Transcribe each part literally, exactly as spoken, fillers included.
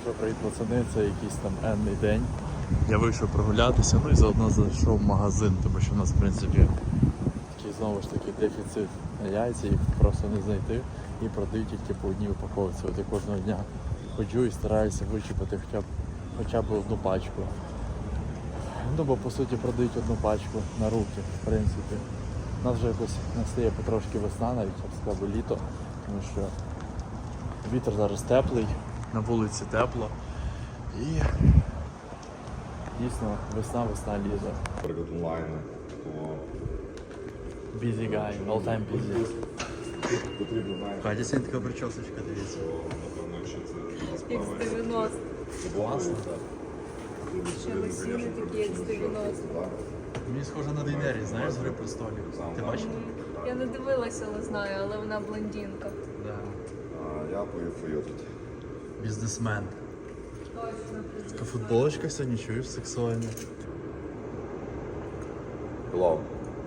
Що, привіт, пацани, це якийсь там енний день. Я вийшов прогулятися, ну і заодно зайшов в магазин, тому що в нас в принципі такий знову ж таки дефіцит на яйця, їх просто не знайти і продають тільки по одній упаковці. От я кожного дня ходжу і стараюся вичіпати хоча б, хоча б одну пачку. Ну бо по суті продають одну пачку на руки, в принципі. У нас вже якось настає потрошки весна, навіть я б сказав літо, тому що вітер зараз теплий, на вулиці тепло і дійсно весна, весна, літо. Наприклад, онлайн, то Busy guy, all time busy. потрібно, знаєш, Катя, сьогодні така причосочка, дивіться. напевно, якщо це Як з дев'яностих. Класно. Ще лосіни такі, як з дев'яностих. Мені схоже на Дейнері, знаєш, з «Гри престолів». Ти бачив? Я не дивилася, але знаю, але вона блондинка. Да. А я поїв тут. Бізнесмен. Точно. Така футболочка сьогодні, чуєш, сексуальна. Hello.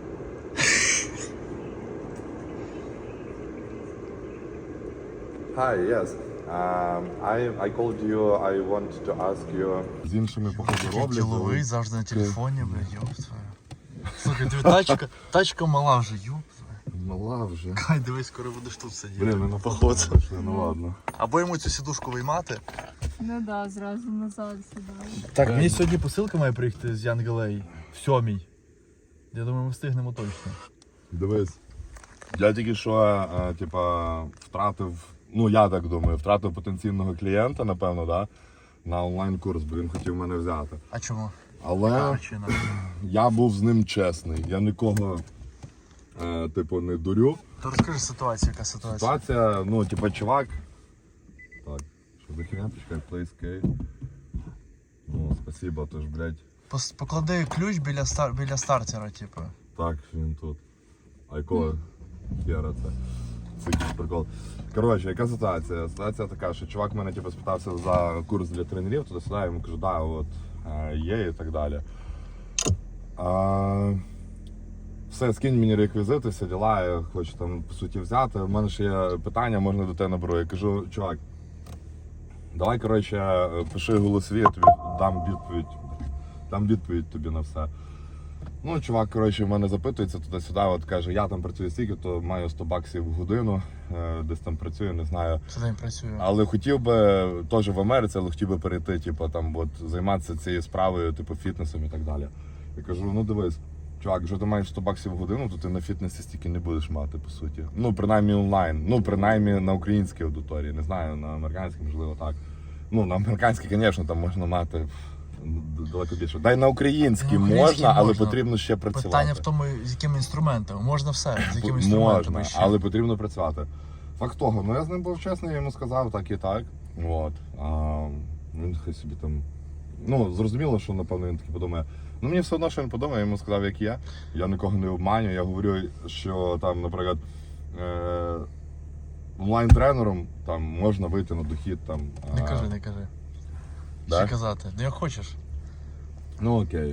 Hi, yes. Um, I, I called you, I want to ask you... З іншими, походу, роблять. Діловий, завжди на телефоні, бля, ёб твою. Слухай, диви, тачка, тачка мала вже, ёб твою. Мала вже. Хай, дивись, скоро будеш тут сидіти. Блін, ми на походу. пішли, ну ладно. Або йому цю сідушку виймати. Ну да, зразу назад сідаю. Так, мені сьогодні посилка має приїхати з Янгалей. В сьомій. Я думаю, ми встигнемо точно. Дивись, я тільки що, а, типа, втратив, ну я так думаю, втратив потенційного клієнта, напевно, да, на онлайн-курс, бо він хотів мене взяти. А чому? Але Причина. я був з ним чесний, я нікого, е, типу, не дурю. То розкажи ситуацію, яка ситуація? Ситуація, ну, типа, чувак, так, що за херня, почекай, PlayScape. Ну, спасибо, тож, блядь, Пос- Поклади ключ біля, стар... біля стартера, типу. так, він тут. А якого хера це? Це якийсь прикол. Коротше, яка ситуація? Ситуація така, що чувак мене типу, спитався за курс для тренерів, туди-сюди, я йому кажу, да, от е, є і так далі. А, все, скинь мені реквізити, всі діла, я хочу там по суті взяти. У мене ще є питання, можна до тебе наберу. Я кажу, чувак, давай, коротше, пиши голосові, я тобі дам відповідь. Дам відповідь тобі на все. Ну, чувак, коротше, в мене запитується туди-сюди, от каже, я там працюю стільки, то маю сто баксів в годину, е, десь там працюю, не знаю. Що день працює? Але хотів би, теж в Америці, але хотів би перейти, типу, там, от, займатися цією справою, типу, фітнесом і так далі. Я кажу, ну дивись, чувак, якщо ти маєш сто баксів в годину, то ти на фітнесі стільки не будеш мати, по суті. Ну, принаймні онлайн, ну, принаймні на українській аудиторії, не знаю, на американській, можливо, так. Ну, на американській, звісно, там можна мати далеко більше. Дай на українській На українській можна, але можна. потрібно ще працювати. Питання в тому, з якими інструментами. Можна все, з якими інструментами Можна, ще. але потрібно працювати. Факт того, ну я з ним був чесний, я йому сказав так і так. От. А, він хай собі там. Ну, зрозуміло, що напевно він таки подумає. Ну мені все одно, що він подумає, я йому сказав, як є. Я нікого не обманю. Я говорю, що там, наприклад, е- онлайн-тренером там можна вийти на дохід там. Не а, кажи, не кажи. Да? Що казати? Ну як хочеш. Ну окей.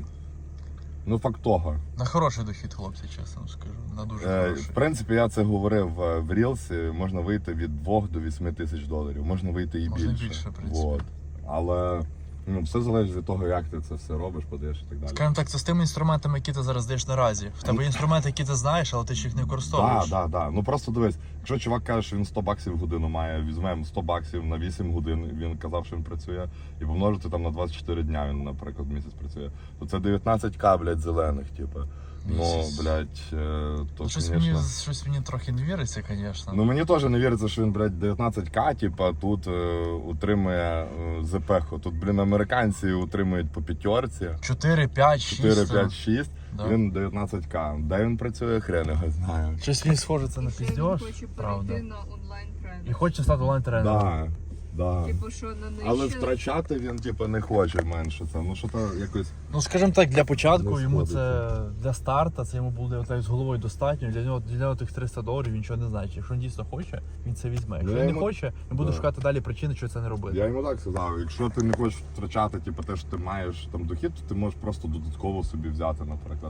Ну факт того. На хороший дохід, хлопці, чесно скажу. На дуже Е, хороший. в принципі, я це говорив е, в Рілсі, можна вийти від двох до вісьми тисяч доларів, можна вийти і Можна більше. більше, в принципі. Вот. Але ну, все залежить від того, як ти це все робиш, подаєш і так далі. Скажімо так, це з тими інструментами, які ти зараз даєш наразі. В тебе є інструменти, які ти знаєш, але ти ж їх не використовуєш. Так, так, так. Ну просто дивись, якщо чувак каже, що він сто баксів в годину має, візьмемо сто баксів на вісім годин, він казав, що він працює, і помножити там на двадцять чотири дня, він, наприклад, місяць працює, то це дев'ятнадцять ка, блядь, зелених, типу. Ну, Місяць. блядь, е, то, Щось звісно. мені, щось мені трохи не віриться, звісно. Ну мені теж не віриться, що він, блядь, дев'ятнадцять ка, типа, тут е, утримує е, ЗПХу. Тут, блін, американці утримують по п'ятерці. чотири, п'ять, шість. чотири, п'ять, шість. Да. Він дев'ятнадцять ка. Де він працює, хрен його знає. Щось він схоже це на Ще він піздьош, хоче правда. перейти на онлайн-тренер. І хоче стати онлайн-тренером. Да, да. Типу, що на нижче... Але втрачати він, типу, не хоче менше це. Ну що то якось. Ну, скажімо так, для початку Не йому сходиться. це для старта, це йому буде отак з головою достатньо. Для нього для нього тих триста доларів він нічого не значить. Якщо він дійсно хоче, він це візьме. Якщо Я він не йому- хоче, він буде Да. шукати далі причини, чого це не робити. Я йому так сказав, якщо ти не хочеш втрачати, типу, те, що ти маєш там дохід, то ти можеш просто додатково собі взяти, наприклад,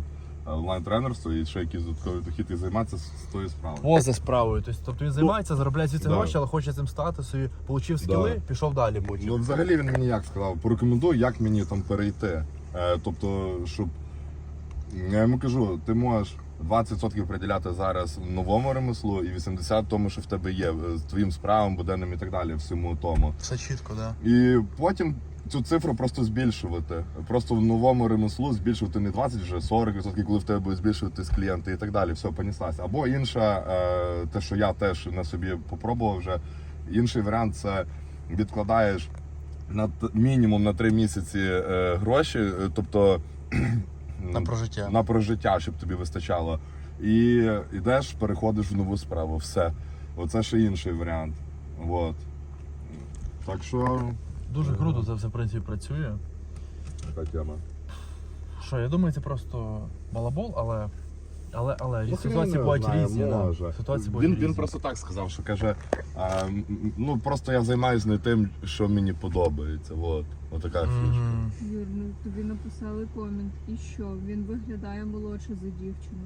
онлайн-тренерство і ще якийсь додатковий дохід і займатися з тою справою. Поза справою. Тобто він займається, заробляє звідси да. гроші, але хоче цим стати, собі отримав скіли, Да. пішов далі потім. Ну, взагалі він мені як сказав, порекомендуй, як мені там перейти. Е, тобто, щоб я йому кажу, ти можеш двадцять відсотків приділяти зараз новому ремеслу і вісімдесят відсотків тому, що в тебе є, з твоїм справам, буденним і так далі, всьому тому. Все чітко, так. Да. І потім цю цифру просто збільшувати. Просто в новому ремеслу збільшувати не двадцять, вже сорок відсотків, коли в тебе буде збільшуватись клієнти і так далі, все, поніслася. Або інша, е, те, що я теж на собі попробував вже, інший варіант це відкладаєш на т- мінімум на три місяці е, гроші, е, тобто На прожиття. на прожиття, щоб тобі вистачало. І йдеш, переходиш в нову справу. Все. Оце ще інший варіант. Вот. Так що Дуже круто це все, в принципі, працює. така тема. Що, я думаю, це просто балабол, але. Але, але Ну, ситуації хрен бувають знає, різні. Да. може. Ситуації бувають Він, різні. він просто так сказав, що каже, а, м, ну просто я займаюся не тим, що мені подобається. Вот. Отака фішка. Мгм. Юр, ну тобі написали комент. І що? Він виглядає молодше за дівчину.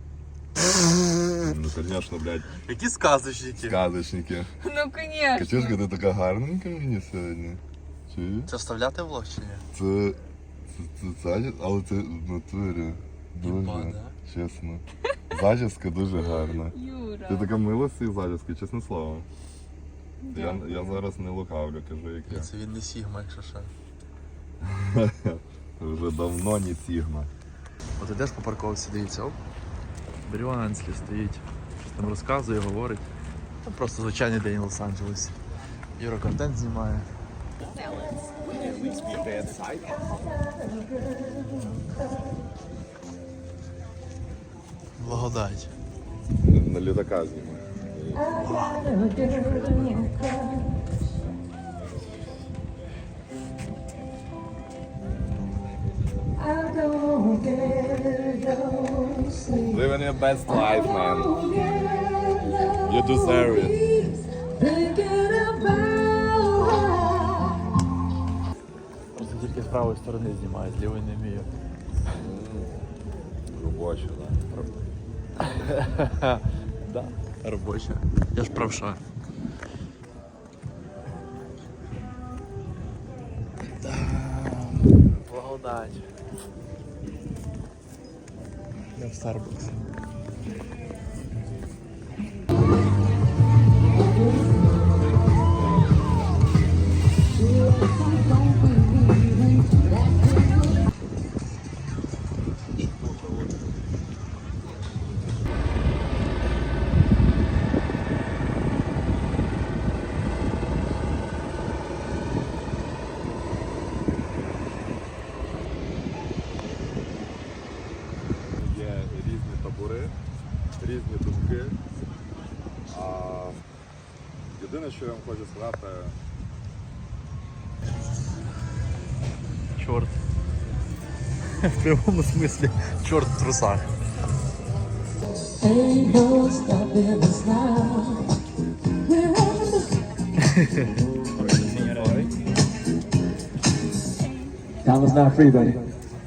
Ну, звісно, блядь, Які сказочники? сказочники. Ну, Катюшка, звісно. ти така гарненька мені сьогодні. Чи? Це вставляти в влог чи ні? Це, це, це, це, але це в натурі. Дуже, Єба, да? чесно. Зачіска дуже гарна. Юра. Ти така мила з цієї зачіски, чесне слово. Я, Дякую. я зараз не лукавлю, кажу, як я. Це він не Сігма, якщо що. Вже давно не Сігма. От ідеш по парковці, дивіться, оп. Бріон Енслі стоїть, щось там розказує, говорить. Там просто звичайний день в Лос-Анджелесі. Юра контент знімає. Благодать. На літака знімаю. Living your best life, man. You deserve it. Просто тільки з правої сторони знімає, з лівої не вмію. Робоче, Да, робоча. Я ж правша. Да. Благодать. Я в Starbucks. Є різні табори, різні думки. А єдине, що я вам хочу сказати, Чорт. В прямому смислі чорт в трусах. Ain't no stopping us now. Time is not free, buddy.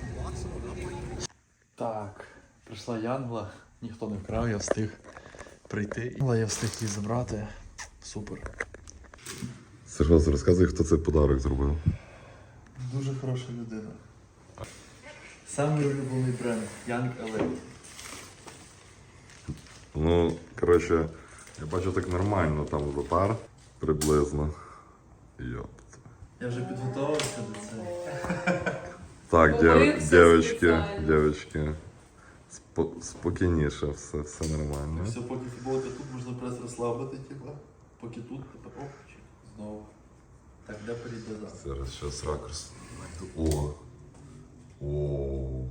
Так, прийшла Янгла, ніхто не вкрав, я встиг прийти. Але я встиг її забрати. Супер. Сергій, розказуй, хто цей подарок зробив. Дуже хороша людина. Самий улюблений бренд Young Elite. Ну, коротше, я бачу так нормально, там запар приблизно. Йопт. Я вже підготувався до цього. Так, Помився дівчатки, спеціально. дівчатки. Спо- спокійніше, все, все нормально. Все, поки футболка тут, можна прес розслабити, типа. Поки тут, тепер оп, чик, знову. Так, де перейде зараз? Зараз щас ракурс знайду. О! О!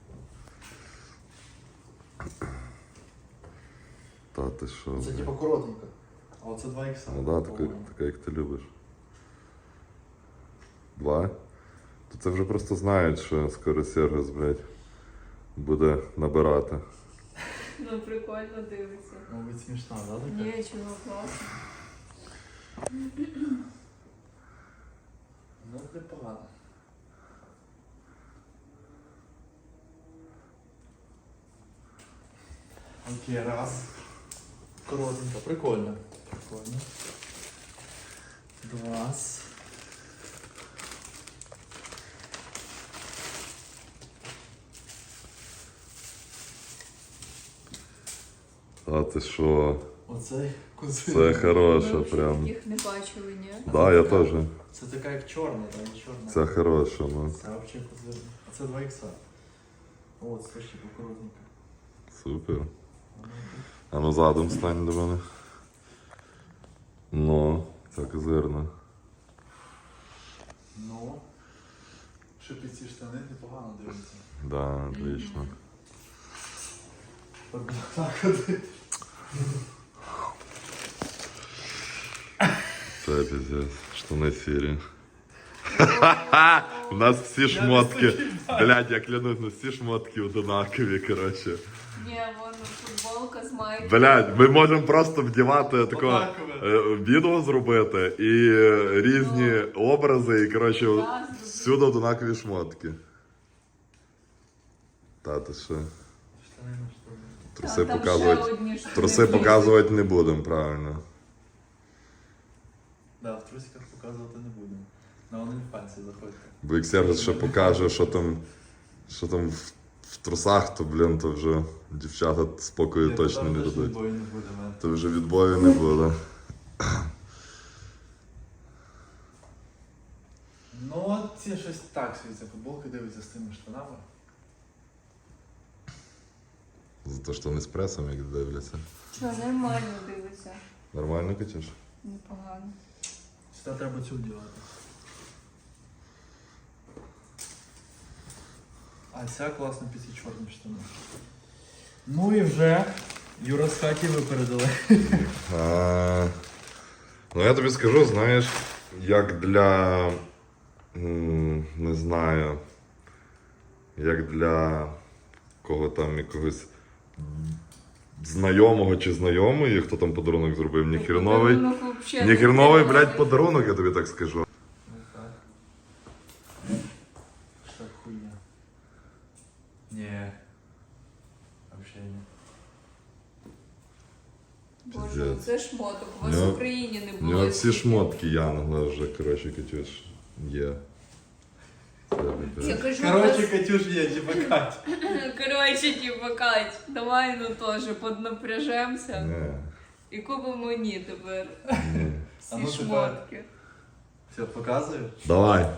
Та ти що? Це блін? типа коротенька. А оце два ікса. Ну да, така, така, як ти любиш. Два? То це вже просто знають, що скоро Сергос, блядь, буде набирати. Ну, прикольно дивиться. Мабуть, смішна, да, така? Ні, чого, класно. Ну, непогано. Окей, раз. Коротенько, прикольно. Прикольно. Два. А ти що? Оцей козир. Це хороше Ми взагалі прям. таких не бачили, ні? Да, я теж. Це така як чорна, там не чорна. Це хороше, ну. Це взагалі козир. А це два ікса. О, це ще покоротненько. Супер. А ну задом стань до мене. Ну, це козирно. Ну. Що під ці штани непогано дивиться. Да, отлично. Так, ходи. Це пиздец. Штани сірі. У нас всі шмотки. Блядь, я клянусь, у нас всі шмотки однакові, коротше. Ні, вон футболка з майкою. Блядь, ми можемо просто вдівати такого Однакове. е, відео зробити і е, різні образи, і коротше Да, зробити. всюди однакові шмотки. Та ти що? Штани на штани. Труси Та, там ще показувати. одні штани Труси влізуть. показувати не будемо, правильно. Да, в трусиках показувати не будемо. На OnlyFans заходьте. Бо як Сергій ще покаже, що там, що там в, в трусах, то, блін, то вже дівчата спокою Я точно там не теж дадуть. відбою не буде, мен. То вже відбою не буде. Ну, от ці щось так світься. Футболки дивиться з тими штанами. За те, що не з пресом, як дивляться. Що, нормально дивиться. Нормально, Катюш? Непогано. Сюди треба цю вдівати. А ця класна під ці чорні штани. Ну і вже Юра з хаті випередили. А, ну я тобі скажу, знаєш, як для, м, не знаю, як для кого там якогось знайомого чи знайомої, хто там подарунок зробив, ні херновий, Подарунок вообще ні не херновий, хреновий. блядь, подарунок, я тобі так скажу. Ну так. Що хуйня? Ні. Вообще ні. Боже, Пиздец. це шмоток. У вас Ну, в Україні не У було. нього всі стільки. шмотки Янгла вже, коротше, Катюш, є. Це Я пиздец. кажу, Короче, нас- Катюш є, типа Кать. Коротше, типа, Кать, давай ну теж поднапряжемося Ні, і купимо мені тепер ні. всі А ну, тепер. шмотки. Все, показуєш? Давай.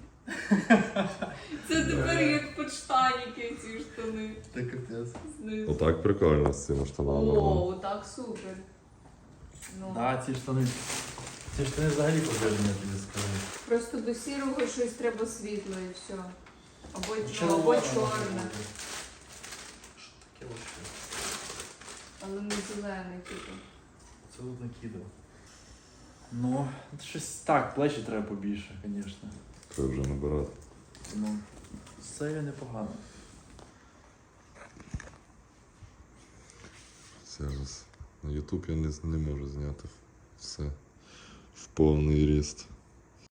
Це тепер як подштаніки ці штани. Ти капець. знизу. Отак прикольно з цими штанами. О, так супер. Ну, Да, ці штани. Ці штани взагалі пожежні, я тобі скажу. просто до сірого щось треба світло і все. Або, ну, або Червоне чорне, може бути. Що таке вообще? але не зелений, типу. Це тут накидав. Ну, щось так, плечі треба побільше, звісно. Треба вже набирати. Ну, це непогано. Зараз на YouTube я не, не можу зняти все в повний ріст.